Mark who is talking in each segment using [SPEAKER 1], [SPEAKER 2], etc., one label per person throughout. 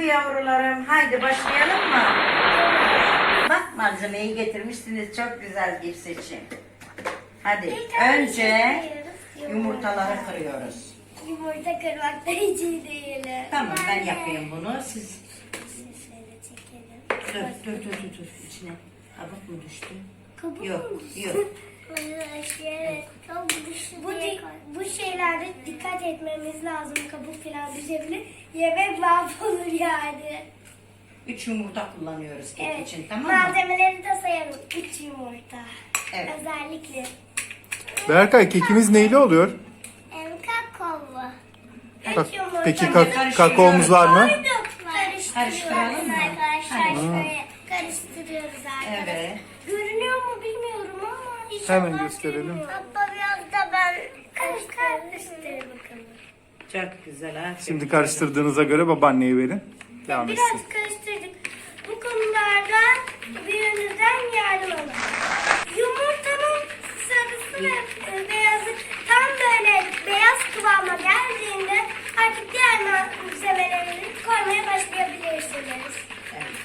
[SPEAKER 1] Hadi yavrularım, haydi başlayalım mı? Bak malzemeyi getirmişsiniz, çok güzel bir seçim. Hadi önce yumurtaları kırıyoruz.
[SPEAKER 2] Yumurta kırmak da hiç iyi değil.
[SPEAKER 1] Tamam, ben yapayım bunu. Siz
[SPEAKER 2] Şöyle çekelim.
[SPEAKER 1] dur içine. Kabuk mu düştü?
[SPEAKER 2] Kabuk
[SPEAKER 1] Yok,
[SPEAKER 2] mu düştü?
[SPEAKER 1] yok.
[SPEAKER 2] Evet, kabuk düştü bu şeylerde dikkat etmemiz lazım. Kabuk falan düşebilir. Yemek mahvolur yani.
[SPEAKER 1] 3 yumurta kullanıyoruz kek
[SPEAKER 2] Evet.
[SPEAKER 1] için, tamam mı?
[SPEAKER 2] Malzemeleri de sayalım. 3 yumurta.
[SPEAKER 1] Evet.
[SPEAKER 2] Özellikle.
[SPEAKER 3] Berkay, kekimiz neyli oluyor?
[SPEAKER 2] Kakaolu.
[SPEAKER 3] Bak,
[SPEAKER 2] 3 yumurta.
[SPEAKER 3] peki
[SPEAKER 1] karıştırıyoruz.
[SPEAKER 3] kakaomuz var mı?
[SPEAKER 1] Karıştıralım mı?
[SPEAKER 2] Arkadaşlar
[SPEAKER 1] Hadi.
[SPEAKER 2] şöyle karıştırıyoruz arkadaşlar.
[SPEAKER 1] Evet.
[SPEAKER 2] Görünüyor mu bilmiyorum ama inşallah
[SPEAKER 3] Hemen gösterelim.
[SPEAKER 2] görünüyor. Hatta biraz da ben karıştırayım bakalım.
[SPEAKER 1] Çok güzel ha.
[SPEAKER 3] Şimdi karıştırdığınıza göre babaanneye verin. Devam etsin.
[SPEAKER 2] Biraz karıştırdık. Bu konularda büyüğünüzden yardım alın. Yumurtanın sarısı ve beyazı tam böyle beyaz kıvama geldiğinde artık diğer malzemeleri koymaya başlayabilirsiniz.
[SPEAKER 1] Evet.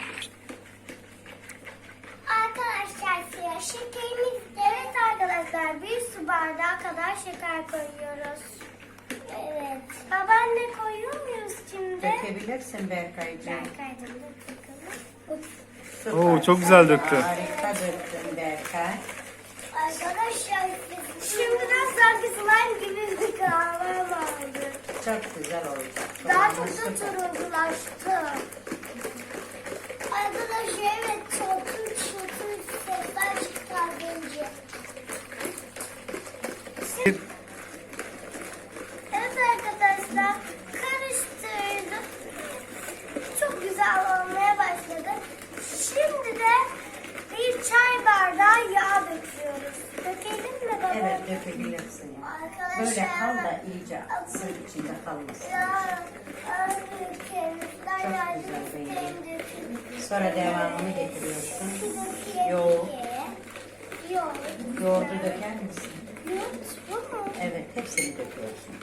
[SPEAKER 2] Arkadaşlar şekerimiz, evet arkadaşlar, bir su bardağı kadar şeker koyuyoruz. Evet. Babaanne koyuyor muyuz şimdi?
[SPEAKER 1] Dökebilirsin Berkay'cığım.
[SPEAKER 2] Berkay'cığım da bakalım.
[SPEAKER 1] Süper.
[SPEAKER 3] Oo, çok güzel döktü.
[SPEAKER 1] Harika döktün Berkay.
[SPEAKER 2] Arkadaşlar şimdiden sanki slime gibi bir kıvama vardı.
[SPEAKER 1] Çok güzel olacak.
[SPEAKER 2] Daha çok da
[SPEAKER 1] Süper.
[SPEAKER 2] turunculaştı. Arkadaşlar evet, çatır çatır sesler çıkardınca. Evet arkadaşlar, karıştırdım. Çok güzel olmaya başladı. Şimdi de bir çay bardağı yağ döküyoruz. Dökelim mi baba?
[SPEAKER 1] Evet dökebilirsin.
[SPEAKER 2] Arkadaşlar.
[SPEAKER 1] Böyle kal da iyice atsın içinde kalmasın. Çok güzel rengi. Sonra devamını getiriyorsun. Yoğurt. Yoğurdu döker misin?
[SPEAKER 2] Yoğurt bu mu?
[SPEAKER 1] Evet hepsini döküyorsun.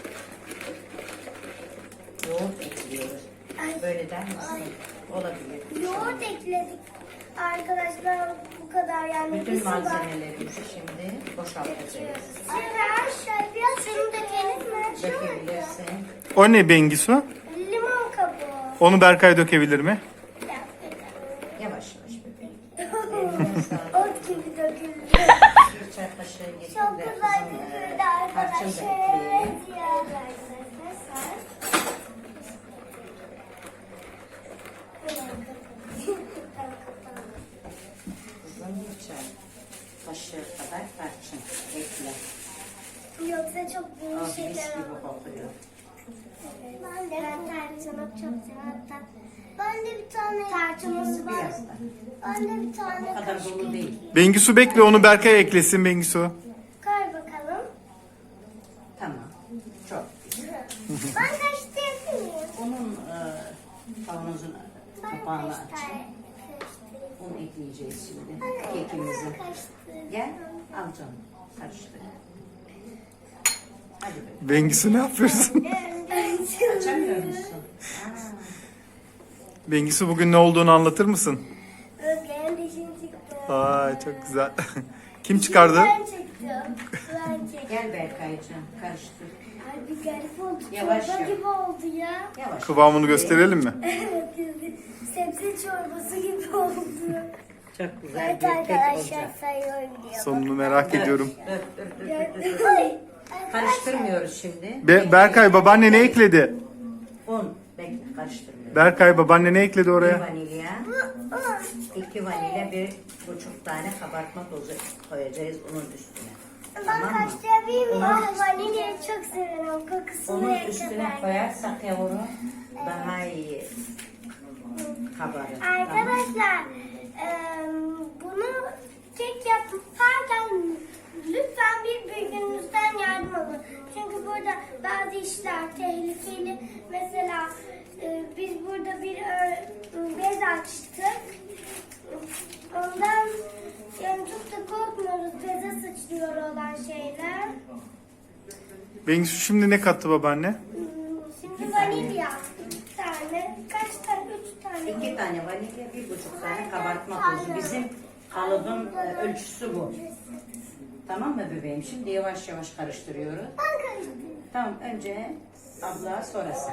[SPEAKER 1] Yoğurt ekliyoruz. Böyle der misin? Olabilir.
[SPEAKER 2] Yoğurt ekledik. Arkadaşlar bu kadar yani.
[SPEAKER 1] Bütün
[SPEAKER 2] bir su var.
[SPEAKER 1] malzemelerimizi şimdi boşaltacağız.
[SPEAKER 2] Arkadaşlar biraz şunu dökelim mi?
[SPEAKER 1] Dökebilirsin.
[SPEAKER 3] O ne Bengisu?
[SPEAKER 2] Limon kabuğu.
[SPEAKER 3] Onu Berkay dökebilir mi?
[SPEAKER 1] Yavaş yavaş bebeğim. Eline sağlık.
[SPEAKER 2] Ot gibi döküldü.
[SPEAKER 1] Bir çay kaşığı getir
[SPEAKER 2] Çok
[SPEAKER 1] de
[SPEAKER 2] güzel
[SPEAKER 1] kızım,
[SPEAKER 2] döküldü
[SPEAKER 1] tarçın da
[SPEAKER 2] arkadaşlar.
[SPEAKER 1] ekleyelim.
[SPEAKER 2] Evet ya arkadaşlar.
[SPEAKER 1] Kızım bir çay kaşığı kadar tarçın ekle.
[SPEAKER 2] Yoksa çok
[SPEAKER 1] O
[SPEAKER 2] büyük
[SPEAKER 1] mis
[SPEAKER 2] şeyler
[SPEAKER 1] gibi
[SPEAKER 2] olur.
[SPEAKER 1] kokuyor.
[SPEAKER 2] Ben tarçını çok seviyorum. Ben de bir tane tarçınımız var.
[SPEAKER 1] Biraz da.
[SPEAKER 2] Ben de bir tane
[SPEAKER 1] O kadar dolu değil.
[SPEAKER 3] Bengisu bekle, onu Berkay eklesin Bengisu.
[SPEAKER 2] Koy bakalım.
[SPEAKER 1] Tamam. Çok.
[SPEAKER 2] Ben karıştırabilir miyim?
[SPEAKER 1] Onun kavanozun
[SPEAKER 2] Ben
[SPEAKER 1] kapağını aç.
[SPEAKER 2] karıştırayım.
[SPEAKER 1] Un ekleyeceğiz şimdi. Kekimizi. Gel al canım. Karıştır. Hadi be.
[SPEAKER 3] Bengisu ne yapıyorsun?
[SPEAKER 1] Açamıyor musun?
[SPEAKER 3] Bengisu bugün ne olduğunu anlatır mısın?
[SPEAKER 2] Özge'nin dişini çıktı.
[SPEAKER 3] Ay çok güzel. Kim çıkardı?
[SPEAKER 2] Ben çektim. Ben çektim.
[SPEAKER 1] Gel Berkay'cığım karıştır.
[SPEAKER 2] Ay bir garip oldu.
[SPEAKER 1] Yavaş
[SPEAKER 2] Çorba
[SPEAKER 1] yap.
[SPEAKER 2] gibi oldu ya.
[SPEAKER 1] Yavaş.
[SPEAKER 3] Kıvamını gösterelim mi?
[SPEAKER 2] Evet, sebze çorbası gibi oldu.
[SPEAKER 1] Çok güzel
[SPEAKER 2] Evet
[SPEAKER 1] bir kek
[SPEAKER 2] arkadaşlar,
[SPEAKER 1] olacak.
[SPEAKER 2] sayıyorum diyor.
[SPEAKER 3] Sonunu merak ediyorum.
[SPEAKER 1] Dur.
[SPEAKER 2] Ay,
[SPEAKER 1] Karıştırmıyoruz şimdi.
[SPEAKER 3] Berkay, babaanne ne ekledi?
[SPEAKER 1] Un. Bekle karıştırmıyoruz.
[SPEAKER 3] Berkay, babaanne ne ekledi
[SPEAKER 1] Bir
[SPEAKER 3] oraya?
[SPEAKER 1] vanilya, 2 vanilya, 1,5 tane kabartma tozu koyacağız unun üstüne.
[SPEAKER 2] Ben
[SPEAKER 1] Tamam mı?
[SPEAKER 2] karıştırabilir miyim? Ben vanilyayı çok seviyorum. Kokusunu
[SPEAKER 1] Onun
[SPEAKER 2] ve
[SPEAKER 1] üstüne
[SPEAKER 2] kadar.
[SPEAKER 1] koyarsak yavru daha iyi kabarır. Tamam.
[SPEAKER 2] Arkadaşlar bunu kek yaparken lütfen bir büyüğünüzden yardım alın. Çünkü burada bazı işler tehlikeli. Mesela biz burada bir bez açtık. Ondan yani çok da korkmuyoruz beze sıçrıyor olan şeyler.
[SPEAKER 3] Bengisu şimdi ne kattı babaanne?
[SPEAKER 2] Şimdi vanilya 2 tane.
[SPEAKER 1] tane vanilya, 1,5 tane kabartma tozu. Bizim kalıbın ölçüsü bu. Tamam mı bebeğim? Şimdi yavaş yavaş karıştırıyoruz.
[SPEAKER 2] Ben karıştırdım.
[SPEAKER 1] Tamam, önce abla, sonra sen.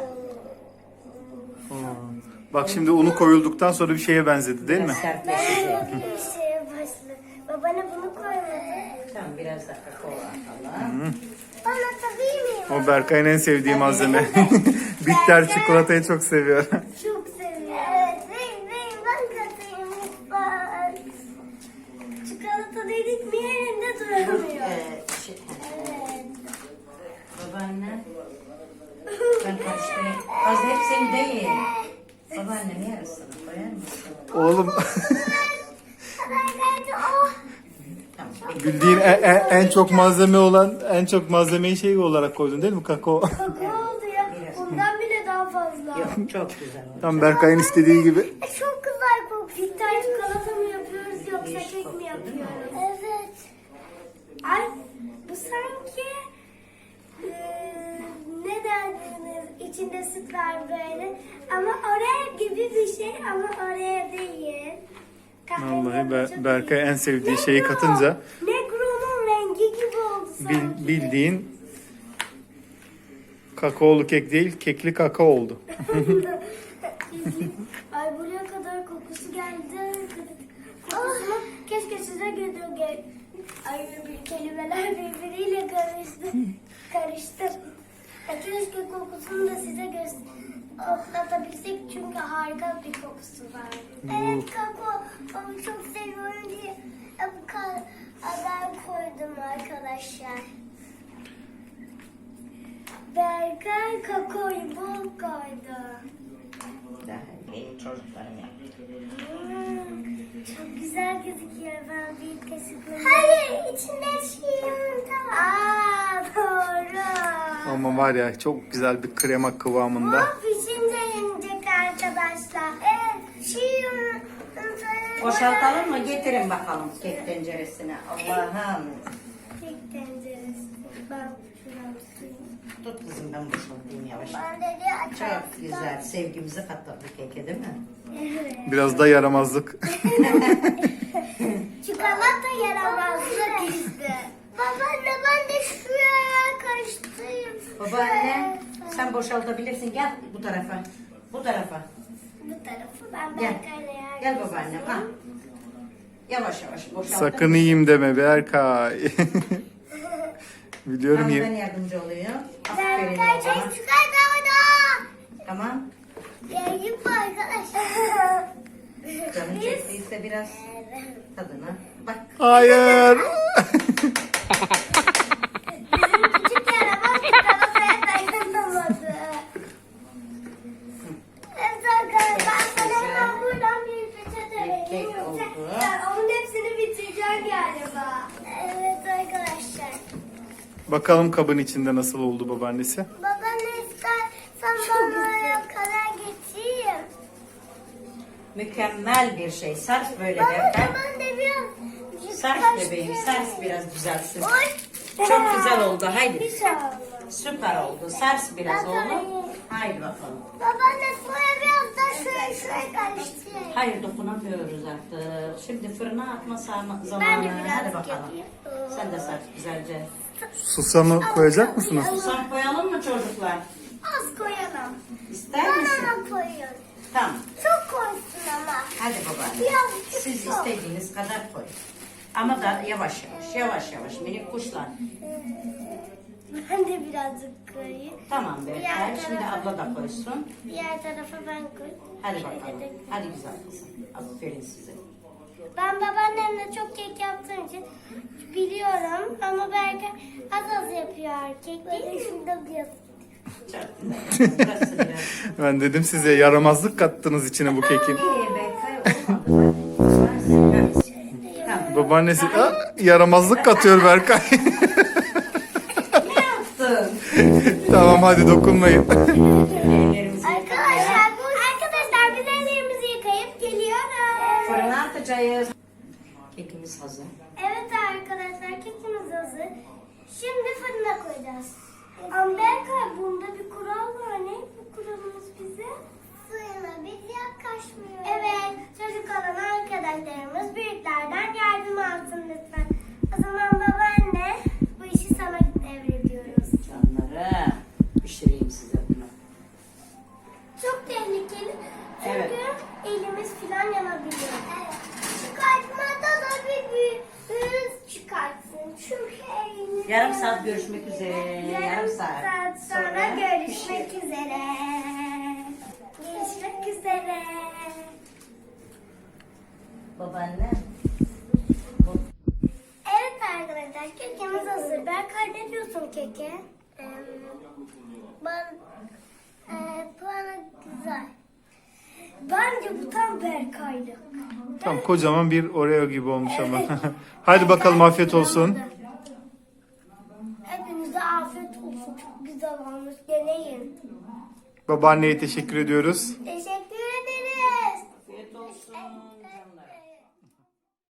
[SPEAKER 3] Bak şimdi unu koyulduktan sonra bir şeye benzedi değil mi?
[SPEAKER 1] Biraz sertleşecek.
[SPEAKER 2] Bir şeye başladı. Babana bunu koymadı.
[SPEAKER 1] Tamam, biraz da kakao atalım.
[SPEAKER 2] Bana tabii miyim?
[SPEAKER 3] O Berkay'ın en sevdiği malzeme. Bitter çikolatayı çok seviyor.
[SPEAKER 2] Çok seviyorum. Evet, ben katayım lütfen. Çikolata dedik mi yerinde duramıyor. Evet.
[SPEAKER 1] Babaanne, ben karıştırayım. Az hepsini değil. Babaannem yarısını koyar mısın?
[SPEAKER 3] Oğlum
[SPEAKER 2] Ben geldi. Oh.
[SPEAKER 1] Tamam.
[SPEAKER 3] bildiğin en çok malzeme olan en çok malzemeyi şey olarak koydun değil mi kakao?
[SPEAKER 2] Kakao oldu ya. Ondan bile daha fazla.
[SPEAKER 1] Yok, çok güzel oldu.
[SPEAKER 3] Tam Berkay'ın istediği gibi.
[SPEAKER 2] Çok güzel kokuyor. Bitter çikolata mı yapıyoruz yoksa kek mi yapıyoruz? Evet. Ay bu sanki ne derdiniz? İçinde süt var böyle. Ama oraya gibi bir şey ama oraya değil.
[SPEAKER 3] Vallahi Berkay en sevdiği şeyi katınca
[SPEAKER 2] Negro'nun rengi gibi oldu sanki.
[SPEAKER 3] bildiğin kakaolu kek değil kekli kakao oldu.
[SPEAKER 2] Ay buraya kadar kokusu geldi. Kokusunu keşke size geliyor. Ay kelimeler birbiriyle karıştı. Keşke kokusunu da size koklatabilsek çünkü harika bir kokusu var. Evet kakao onu çok seviyorum diye bu kadar koydum arkadaşlar. Berkay kakaoyu bol koydu.
[SPEAKER 1] Daha benim çocuklarım yaptı.
[SPEAKER 2] Çok güzel gözüküyor. Ben bir kaşıkla... Hayır, içinde şey var. Aa, doğru.
[SPEAKER 3] Ama var ya çok güzel bir krema kıvamında.
[SPEAKER 2] Bu pişince yenecek arkadaşlar. Evet, şey
[SPEAKER 1] Boşaltalım mı? Getirin bakalım kek tenceresine. Allah'ım.
[SPEAKER 2] Kek tenceresi. Ben şuradan tutayım.
[SPEAKER 1] Tut kızım, ben boşaltayım yavaş.
[SPEAKER 2] Ben de açalım.
[SPEAKER 1] Çok güzel. Sevgimizi katladık keke değil mi?
[SPEAKER 2] Evet.
[SPEAKER 3] Biraz da yaramazlık.
[SPEAKER 2] Çikolata yaramazlık işte. Babaanne ben de şuraya karıştırayım.
[SPEAKER 1] Babaanne, sen boşaltabilirsin. Gel bu tarafa. Bu tarafa.
[SPEAKER 2] Bu tarafı ben
[SPEAKER 1] Gel.
[SPEAKER 2] Berkay'la yardım
[SPEAKER 1] Gel babaannem. Ha. Yavaş yavaş boşalt.
[SPEAKER 3] Sakın yiyeyim deme Berkay. Biliyorum
[SPEAKER 1] Tamam, ben
[SPEAKER 3] ya.
[SPEAKER 1] yardımcı olayım. Aferin
[SPEAKER 2] Berkay
[SPEAKER 1] babama.
[SPEAKER 2] çok çikolata.
[SPEAKER 1] Tamam.
[SPEAKER 2] Yiyeyim mi arkadaşlar?
[SPEAKER 1] Canın çektiyse biraz tadına. Bak.
[SPEAKER 3] Hayır.
[SPEAKER 2] Küçük yaramaz çikolataya dayanamadı. Evet arkadaşlar ben sana hemen buradan bir peçete
[SPEAKER 1] Kek
[SPEAKER 2] vereyim.
[SPEAKER 1] oldu.
[SPEAKER 2] Sen onun hepsini bitireceksin galiba. Evet arkadaşlar.
[SPEAKER 3] Bakalım kabın içinde nasıl oldu babaannesi.
[SPEAKER 2] Baba ne istersen bana kadar getireyim.
[SPEAKER 1] Mükemmel bir şey. Sars böyle
[SPEAKER 2] Baba
[SPEAKER 1] derken.
[SPEAKER 2] ben de biraz
[SPEAKER 1] Sars bebeğim. Sars biraz düzelsin.
[SPEAKER 2] Oy.
[SPEAKER 1] Çok güzel oldu. Haydi.
[SPEAKER 2] Bir şey olmaz.
[SPEAKER 1] Süper oldu. Sars biraz oğlum. Haydi bakalım.
[SPEAKER 2] Babaanne soya biraz da şuraya karıştırayım.
[SPEAKER 1] Hayır, dokunamıyoruz artık. Şimdi fırına atma
[SPEAKER 2] Ben de
[SPEAKER 1] zamanı.
[SPEAKER 2] biraz
[SPEAKER 1] Hadi bakalım.
[SPEAKER 2] yapayım.
[SPEAKER 1] Sen de sar güzelce.
[SPEAKER 3] Susamı koyacak mısınız?
[SPEAKER 1] Susam koyalım mı çocuklar?
[SPEAKER 2] Az koyalım.
[SPEAKER 1] İster misin?
[SPEAKER 2] Bana koyuyorum.
[SPEAKER 1] Tamam.
[SPEAKER 2] Çok koysun ama.
[SPEAKER 1] Hadi babaanne.
[SPEAKER 2] Biraz
[SPEAKER 1] Siz
[SPEAKER 2] çok.
[SPEAKER 1] istediğiniz kadar koyun. Ama da yavaş yavaş minik kuşlar.
[SPEAKER 2] Ben de birazcık koyayım.
[SPEAKER 1] Tamam be.
[SPEAKER 2] Diğer
[SPEAKER 1] Şimdi
[SPEAKER 2] tarafa-
[SPEAKER 1] abla da koysun.
[SPEAKER 2] Diğer tarafa ben koyayım.
[SPEAKER 1] Hadi
[SPEAKER 2] Şöyle
[SPEAKER 1] bakalım.
[SPEAKER 2] de-
[SPEAKER 1] Hadi güzel kızım. Aferin size.
[SPEAKER 2] Ben babaannemle çok kek yaptığım için biliyorum ama belki az yapıyor kek değil mi? Şurada biraz.
[SPEAKER 1] Çok güzel. Burası biraz.
[SPEAKER 3] Ben dedim size yaramazlık kattınız içine bu kekin.
[SPEAKER 1] İyi be. Olmadı. Tamam.
[SPEAKER 3] Babaannesi yaramazlık katıyor Berkay.
[SPEAKER 1] Ne yaptın?
[SPEAKER 3] Tamam hadi dokunmayın.
[SPEAKER 1] Ellerimizi
[SPEAKER 2] Arkadaşlar biz ellerimizi yıkayıp geliyoruz.
[SPEAKER 1] fırına atacağız. Kekimiz hazır.
[SPEAKER 2] Evet arkadaşlar kekimiz hazır. Şimdi fırına koyacağız. Ama Berkay bunda bir kural var. Ne bu kuralımız bize? Fırına biz yaklaşmıyoruz. Evet
[SPEAKER 1] görüşmek üzere. Yarım saat
[SPEAKER 2] sonra görüşmek üzere. Görüşmek üzere.
[SPEAKER 1] Babaanne.
[SPEAKER 2] Evet arkadaşlar, kekimiz hazır. Berkay, ne diyorsun keke? Puanı güzel. Bence bu tam Berkay'lık.
[SPEAKER 3] Tam kocaman bir Oreo gibi olmuş ama. Hadi bakalım, afiyet olsun.
[SPEAKER 2] Hepinize afiyet olsun. Çok güzel olmuş. Deneyin.
[SPEAKER 3] Babaanneye teşekkür ediyoruz.
[SPEAKER 2] Teşekkür ederiz.
[SPEAKER 1] Afiyet olsun.